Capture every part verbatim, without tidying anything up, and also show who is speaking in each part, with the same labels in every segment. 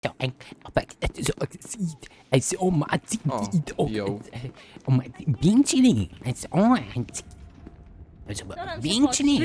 Speaker 1: So ein, aber so sieht, als oh man sieht,
Speaker 2: O,
Speaker 1: oh,
Speaker 2: jo.
Speaker 1: oh man pięknie, als oh ein, also pięknie.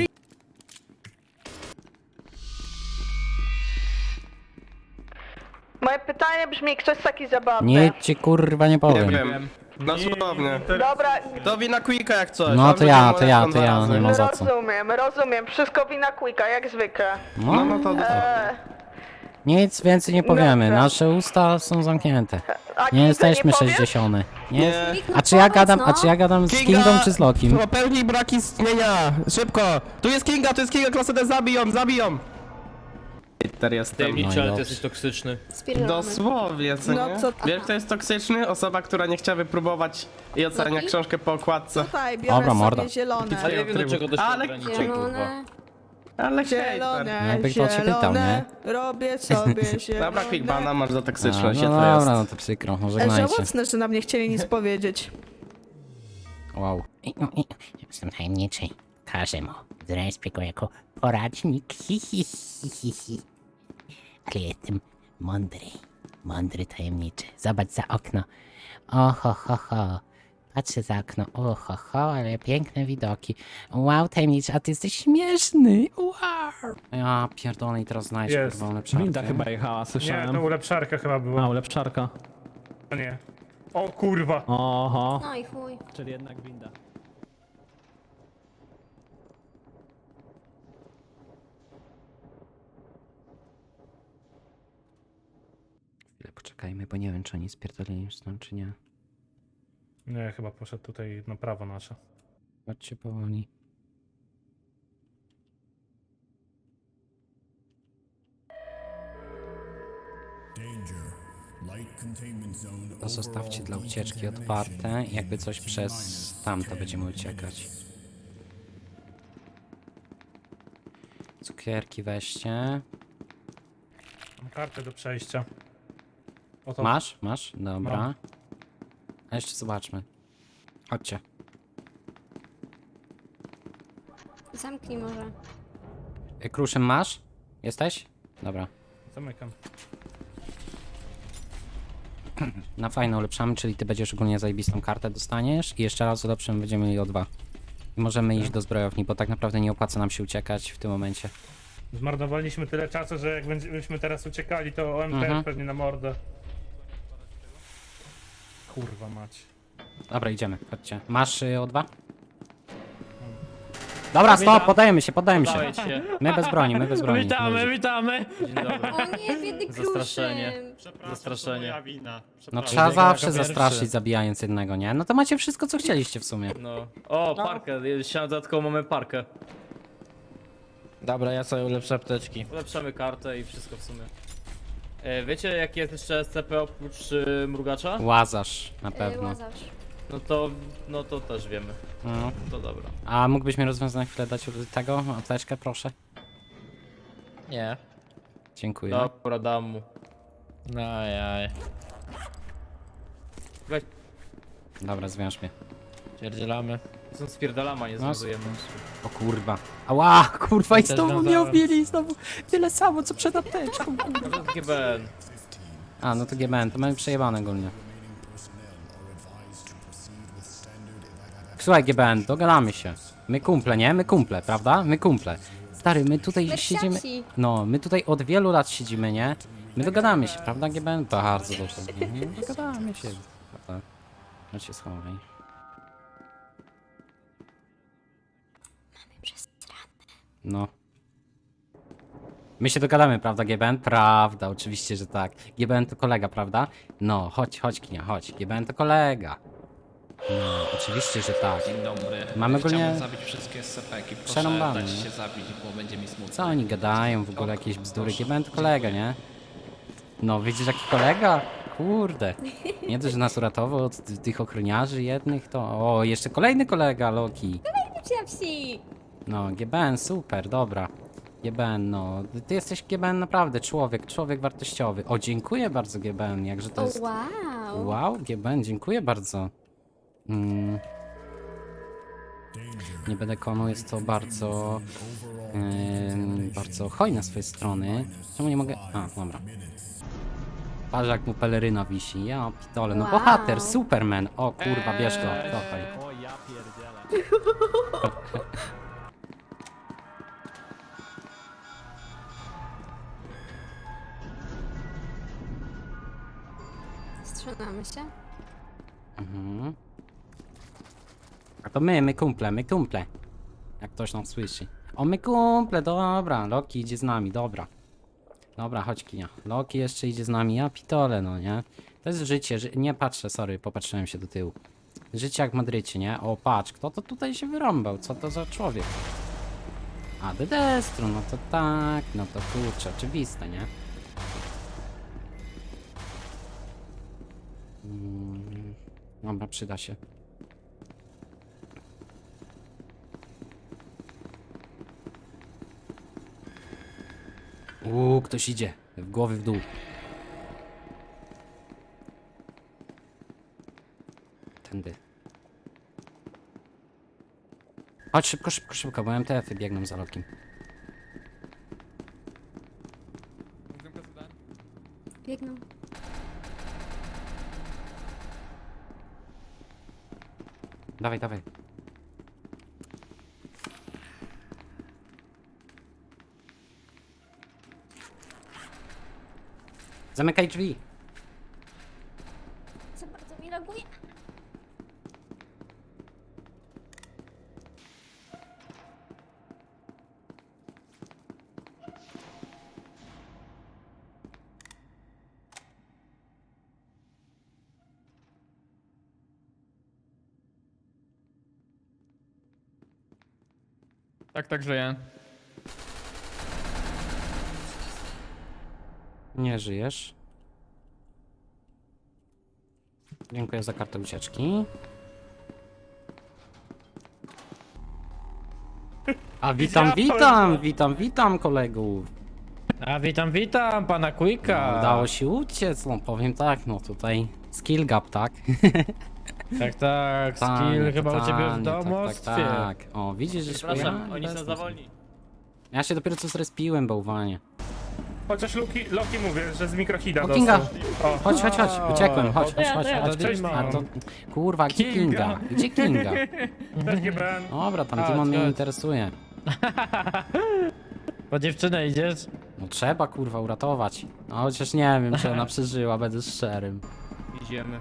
Speaker 3: Moje pytanie brzmi, ktoś taki zabawny.
Speaker 1: Nie ci kurwa nie
Speaker 2: Nie
Speaker 1: powiem.
Speaker 2: wiem. Dosłownie.
Speaker 3: Dobra,
Speaker 2: To wina Quicka jak coś.
Speaker 1: No
Speaker 2: On
Speaker 1: to ja,
Speaker 2: będzie
Speaker 1: to ja,
Speaker 2: molestą
Speaker 1: to
Speaker 2: dwa
Speaker 1: ja,
Speaker 2: razy.
Speaker 1: nie ma za co.
Speaker 3: rozumiem, rozumiem. Wszystko wina Quicka, jak zwykle.
Speaker 2: No, no to...
Speaker 3: Eee,
Speaker 1: Nic więcej nie powiemy,
Speaker 3: Dobra.
Speaker 1: nasze usta są zamknięte.
Speaker 3: a
Speaker 1: Nie
Speaker 3: Kinga
Speaker 1: jesteśmy
Speaker 3: powiesz?
Speaker 1: sześćdziesiąty. Nie.
Speaker 2: Nie.
Speaker 1: A czy ja gadam, a czy ja gadam z Kingą czy z Lokim?
Speaker 2: Popełnij braki istnienia! Szybko! Tu jest Kinga, tu jest Kinga, klasę D, zabiją, zabiją! Peter jestem.
Speaker 4: Tajemniczy, ale
Speaker 1: No i
Speaker 4: ty jesteś toksyczny.
Speaker 5: Spierdolamy.
Speaker 2: Dosłownie, co
Speaker 3: No
Speaker 2: nie?
Speaker 3: co-
Speaker 2: Wiesz kto jest toksyczny? Osoba, która nie chciała wypróbować i ocenia
Speaker 5: Loki?
Speaker 2: książkę po okładce.
Speaker 3: Tutaj biorę
Speaker 1: Dobra,
Speaker 3: sobie
Speaker 1: morda.
Speaker 3: zielone.
Speaker 4: Ale nie wiem do czego to się
Speaker 2: Ale
Speaker 4: ogranicza, kurwa.
Speaker 5: Zielone.
Speaker 2: Ale hejter.
Speaker 3: Zielone,
Speaker 1: Jakby ktoś się pytał,
Speaker 3: zielone, robię sobie zielone.
Speaker 2: Dobra, Quickbana masz za
Speaker 1: A,
Speaker 2: toksyczność,
Speaker 1: no
Speaker 2: no,
Speaker 1: dobra,
Speaker 2: to jest.
Speaker 1: no to przykro,
Speaker 3: E,
Speaker 1: żegnajcie.
Speaker 3: Żałosne, że nam nie chcieli nic powiedzieć.
Speaker 1: Wow. Jestem tajemniczy. Każę mu. Zrespię go jako poradnik. Hi, hi, hi, hi, hi. Ale jestem mądry. Mądry tajemniczy. Zobacz za okno. Oho, ho, ho. Patrzę za okno. Oho, ho, ale piękne widoki. Wow, tajemniczy, a ty jesteś śmieszny. Wow. Ja pierdolę i teraz znajdź
Speaker 6: Jest.
Speaker 1: kurwa lepszarkę.
Speaker 7: Winda chyba jechała,
Speaker 6: Nie,
Speaker 7: słyszałem.
Speaker 6: to ulepszarka chyba
Speaker 7: A,
Speaker 6: była.
Speaker 7: ulepszarka.
Speaker 6: A nie. O kurwa.
Speaker 7: Oho,
Speaker 5: No i chuj.
Speaker 7: czyli jednak winda.
Speaker 1: Chwilę poczekajmy, bo nie wiem, czy oni spierdolili już stąd, czy nie.
Speaker 6: Nie, chyba poszedł tutaj na prawo nasze.
Speaker 1: Chodźcie powoli. To zostawcie dla ucieczki otwarte. Jakby coś przez tamto będziemy uciekać. Cukierki weźcie.
Speaker 6: Mam kartę do przejścia. Oto.
Speaker 1: Masz? Masz? Dobra.
Speaker 6: Mam.
Speaker 1: A jeszcze zobaczmy. Chodźcie.
Speaker 5: Zamknij może.
Speaker 1: Y, Kruszym masz? Jesteś? Dobra.
Speaker 6: Zamykam.
Speaker 1: Na fajną ulepszamy, czyli ty będziesz ogólnie zajebistą kartę dostaniesz i jeszcze raz ulepszymy, będziemy mieli o dwa. I możemy iść do zbrojowni, bo tak naprawdę nie opłaca nam się uciekać w tym momencie.
Speaker 6: Zmarnowaliśmy tyle czasu, że jak będziemy teraz uciekali, to O M T
Speaker 1: Mhm.
Speaker 6: pewnie na mordę. Kurwa mać.
Speaker 1: Dobra, idziemy, chodźcie. Masz y, o dwa? Dobra, stop, podajemy się, podajemy się.
Speaker 4: Dawaj się.
Speaker 1: My bez broni, my bez broni.
Speaker 7: Witamy,
Speaker 1: Luzik.
Speaker 7: witamy!
Speaker 4: Dzień dobry.
Speaker 5: O nie, biedny
Speaker 4: Zastraszenie.
Speaker 5: kruszym.
Speaker 4: Zastraszenie.
Speaker 1: No trzeba
Speaker 7: Jako
Speaker 1: zawsze
Speaker 7: pierwszy.
Speaker 1: zastraszyć zabijając jednego, nie? No to macie wszystko, co chcieliście w sumie.
Speaker 4: No. O, parkę. Siadam dodatkowo mamy parkę.
Speaker 8: Dobra, ja sobie ulepszę apteczki.
Speaker 4: Ulepszamy kartę i wszystko w sumie. E, wiecie jakie jest jeszcze S C P oprócz y, mrugacza?
Speaker 1: Łazarz, na
Speaker 5: Y,
Speaker 1: pewno.
Speaker 5: Łazarz.
Speaker 4: No to, no to też wiemy.
Speaker 1: No.
Speaker 4: To dobra.
Speaker 1: A mógłbyś mi rozwiązać na chwilę dać tego, apteczkę, proszę?
Speaker 8: Nie.
Speaker 1: Dziękuję.
Speaker 4: Dobra, dam mu.
Speaker 8: No jaj.
Speaker 4: Weź,
Speaker 1: Dobra, zwiąż mnie.
Speaker 8: Pierdzielamy.
Speaker 4: są spierdalama, nie
Speaker 1: No,
Speaker 4: związujemy.
Speaker 1: O kurwa. Ała, kurwa, i
Speaker 8: Ja też
Speaker 1: znowu mnie
Speaker 8: wiązałem.
Speaker 1: obili, znowu tyle samo, co przed apteczką, kurwa.
Speaker 4: To jest G B N.
Speaker 1: A, no to G B N, to mamy przejebane ogólnie. Słuchaj G B N, dogadamy się. My kumple, nie? My kumple, prawda? My kumple. Stary, my tutaj
Speaker 5: My
Speaker 1: siedzimy...
Speaker 5: psiaci.
Speaker 1: No, my tutaj od wielu lat siedzimy, nie? My dogadamy się, prawda G B N? Bardzo dobrze. Nie, dogadamy się, prawda? No się schowaj. No. My się dogadamy, prawda, G B N? Prawda, oczywiście, że tak. G B N to kolega, prawda? No, chodź, chodź, Kinia, chodź. G B N to kolega. No, oczywiście, że tak.
Speaker 9: Dzień dobry.
Speaker 1: Mamy go nie-
Speaker 9: Chciałbym zabić wszystkie S C P-ki. Proszę
Speaker 1: Przerąbane,
Speaker 9: dać
Speaker 1: nie?
Speaker 9: się zabić, bo będzie mi smutno.
Speaker 1: Co oni gadają, w ogóle jakieś bzdury? G B N to kolega, nie? No, widzisz, jaki kolega? Kurde. Nie dość, że nas uratował od t- tych ochroniarzy jednych, to... O, jeszcze kolejny kolega, Loki.
Speaker 5: Psia psi.
Speaker 1: No, G B N, super, dobra. G B N, no, ty jesteś G B N naprawdę człowiek, człowiek wartościowy. O, dziękuję bardzo G B N, jakże to
Speaker 5: O
Speaker 1: jest...
Speaker 5: wow.
Speaker 1: Wow, G B N, dziękuję bardzo. Mm. Nie będę konu, jest to bardzo... Yy, bardzo hojne z swojej strony. Czemu nie mogę... A, dobra. Patrz jak mu peleryna wisi. Ja pitole, no
Speaker 5: Wow.
Speaker 1: bohater, Superman. O kurwa, bierz go, kochaj.
Speaker 2: O ja pierdzielę.
Speaker 5: Strzelamy się.
Speaker 1: Mhm. A to my, my kumple, my kumple. Jak ktoś nam słyszy. O, my kumple, dobra. Loki idzie z nami, dobra. Dobra, chodź Kinia. Loki jeszcze idzie z nami, ja pitole, no nie? To jest życie, ży... nie patrzę, sorry, popatrzyłem się do tyłu. Życie jak w Madrycie, nie? O, patrz, kto to tutaj się wyrąbał? Co to za człowiek? A, The Destru, no to tak, no to kurczę, oczywiste, nie? Mm, dobra, przyda się. Uuu, ktoś idzie. W głowy w dół. Tędy. Chodź szybko, szybko, szybko, bo M T F-y biegną za Lokim.
Speaker 5: Biegną.
Speaker 1: Dawaj, dawaj. Zamykaj drzwi.
Speaker 5: Za bardzo mi laguje.
Speaker 7: Tak, tak żyję.
Speaker 1: Nie żyjesz. Dziękuję za kartę ucieczki. A witam, witam, witam, witam kolegów.
Speaker 8: A witam, witam pana Quicka.
Speaker 1: No, udało się uciec, no powiem tak, no tutaj skill gap, tak?
Speaker 8: Tak, tak,
Speaker 1: Tanie,
Speaker 8: skill chyba u ciebie w
Speaker 1: tanie,
Speaker 8: domostwie.
Speaker 1: Tak, tak, tak. O, widzisz, że
Speaker 4: Przepraszam,
Speaker 1: ja-
Speaker 4: oni są
Speaker 1: bez-
Speaker 4: za wolni.
Speaker 1: Ja się dopiero co zrespiłem, bałwanie.
Speaker 6: Chociaż Loki, Loki mówię, że z mikrohida
Speaker 1: O, Kinga!
Speaker 6: dostał. O,
Speaker 1: Chodź, chodź, chodź, uciekłem, chodź,
Speaker 5: To
Speaker 1: chodź,
Speaker 5: ja,
Speaker 1: chodź,
Speaker 5: to ja.
Speaker 1: chodź.
Speaker 8: To Demon.
Speaker 1: A to, kurwa, gdzie Kinga? Gdzie Kinga?
Speaker 6: też G B N.
Speaker 1: Dobra, tam
Speaker 8: Chodź,
Speaker 1: Timon mnie
Speaker 8: chodź.
Speaker 1: interesuje.
Speaker 8: Po dziewczynę idziesz?
Speaker 1: No trzeba, kurwa, uratować. No chociaż nie wiem, czy ona przeżyła, będę szczerym.
Speaker 4: Idziemy.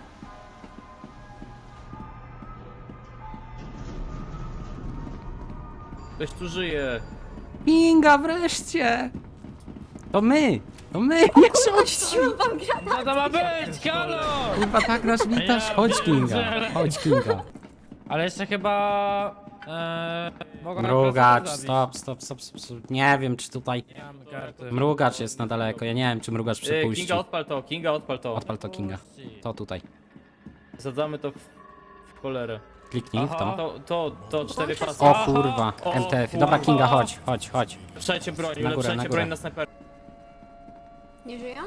Speaker 4: Ktoś tu żyje.
Speaker 1: Kinga, wreszcie! To my! To my! Nie rzuć!
Speaker 5: Wam gra.
Speaker 8: Co to ma być? Halo!
Speaker 1: Kurwa, tak nas witasz? Chodź, Kinga, chodź, Kinga.
Speaker 8: Ale jeszcze chyba... Eee, mogę na
Speaker 1: Mrugacz,
Speaker 8: klasę
Speaker 1: stop, stop, stop, stop, stop. Nie wiem, czy tutaj...
Speaker 8: zabić. Nie mam karty.
Speaker 1: Mrugacz jest na daleko, ja nie wiem, czy mrugacz
Speaker 4: E,
Speaker 1: przepuści.
Speaker 4: Kinga odpal to, Kinga odpal to.
Speaker 1: Odpal to Kinga. To tutaj.
Speaker 4: Zasadzamy to w, w cholerę.
Speaker 1: Kliknij w
Speaker 8: Aha.
Speaker 1: to.
Speaker 4: To, to, to cztery pasy.
Speaker 1: O kurwa,
Speaker 4: O,
Speaker 1: M T F. Dobra,
Speaker 4: kurwa.
Speaker 1: Kinga, chodź, chodź, chodź.
Speaker 4: Ulepszajcie broń,
Speaker 1: Na górę, na
Speaker 4: ulepszajcie
Speaker 1: górę.
Speaker 4: broń na snajper.
Speaker 5: Nie żyją?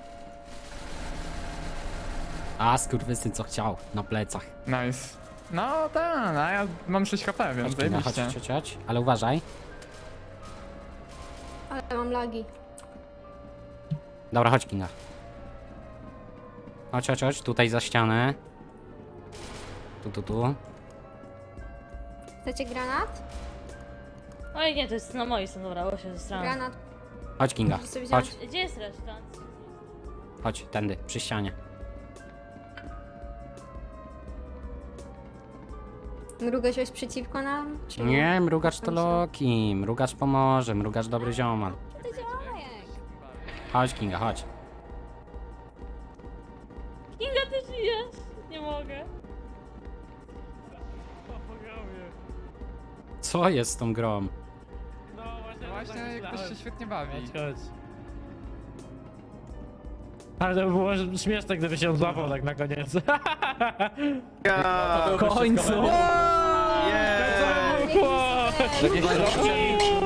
Speaker 1: A, skurwysyn co chciał, na plecach.
Speaker 7: Nice. No tak, no ja mam sześć H P, więc
Speaker 1: Chodź, Kinga, chodź,
Speaker 7: zajebiście.
Speaker 1: chodź, chodź. Ale uważaj.
Speaker 5: Ale mam lagi.
Speaker 1: Dobra, chodź, Kinga. Chodź, chodź, chodź, tutaj za ścianę. Tu, tu, tu.
Speaker 5: Chcecie granat?
Speaker 10: Oj nie, to jest na mojej strony, dobra, bo się zastanawiam.
Speaker 5: Granat.
Speaker 1: Chodź, Kinga.
Speaker 5: Możesz sobie wziąć.
Speaker 1: Chodź,
Speaker 10: Gdzie jest reszta?
Speaker 1: chodź, tędy, przy ścianie.
Speaker 5: Mruga coś przeciwko nam? Czy
Speaker 1: Nie, mrugacz to Loki. Mrugacz pomoże, mrugacz dobry ziomal.
Speaker 5: To działajek.
Speaker 1: Chodź, Kinga, chodź.
Speaker 10: Kinga, ty żyjesz? Nie mogę.
Speaker 1: Co jest z tą grą?
Speaker 8: No
Speaker 7: Właśnie, jak ktoś się świetnie bawi.
Speaker 8: Chodź, chodź. Ale to by było śmieszne, gdyby się złapał tak na koniec.
Speaker 2: W końcu!
Speaker 8: Yeah!